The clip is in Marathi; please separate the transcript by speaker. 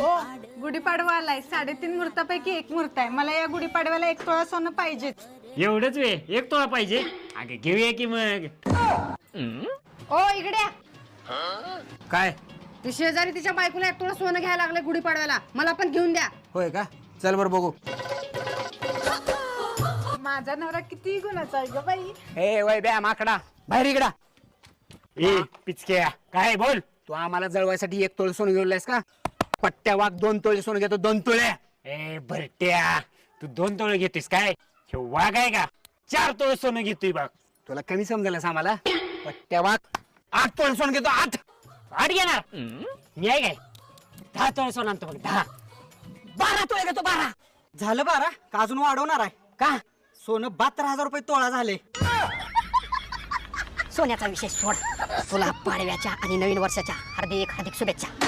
Speaker 1: हो गुढीपाडवा आलाय 3.5 मुहूर्तापैकी एक मुहूर्त आहे. मला या गुढीपाडव्याला 1 तोळा सोनं पाहिजेच.
Speaker 2: एवढंच वे 1 तोळा पाहिजे. अगे घेऊया की मग.
Speaker 3: ओ इकडे या.
Speaker 4: काय
Speaker 3: ती शेजारी तिच्या बायकोला 1 तोळा सोनं घ्यायला लागले गुढीपाडव्याला. मला पण घेऊन द्या.
Speaker 4: होय का? चल बर बघू.
Speaker 1: माझा नवरा किती गुणाचा आहे ग बाई.
Speaker 4: ए वय बॅ माकडा बाहेर इकडा.
Speaker 2: ए पिचक्या काय बोल.
Speaker 4: तू आम्हाला जळवायसाठी 1 तोळे सोनं घेऊन का? पट्ट्या वाघ 2 तोळे सोनं घेतो. 2 तोळे.
Speaker 2: ए भरट्या तू 2 तोळे घेतोस काय? हे वाघ आहे का? 4 तोळे सोनं घेतोय बघ.
Speaker 4: तुला कमी समजलंस आम्हाला. पट्ट्या वाघ 8 तोळे सोनं घेतो. 8
Speaker 2: घेणार मी आहे काय? 10 तोळे सोनं आणतो बघ. 10
Speaker 4: 12 तोळे घेतो. 12 झालं 12 का अजून वाढवणार आहे का? सोनं 72,000 रुपये तोळा झाले.
Speaker 3: सोन्याचा विषय सोड. तुला पाडव्याच्या आणि नवीन वर्षाच्या हार्दिक शुभेच्छा.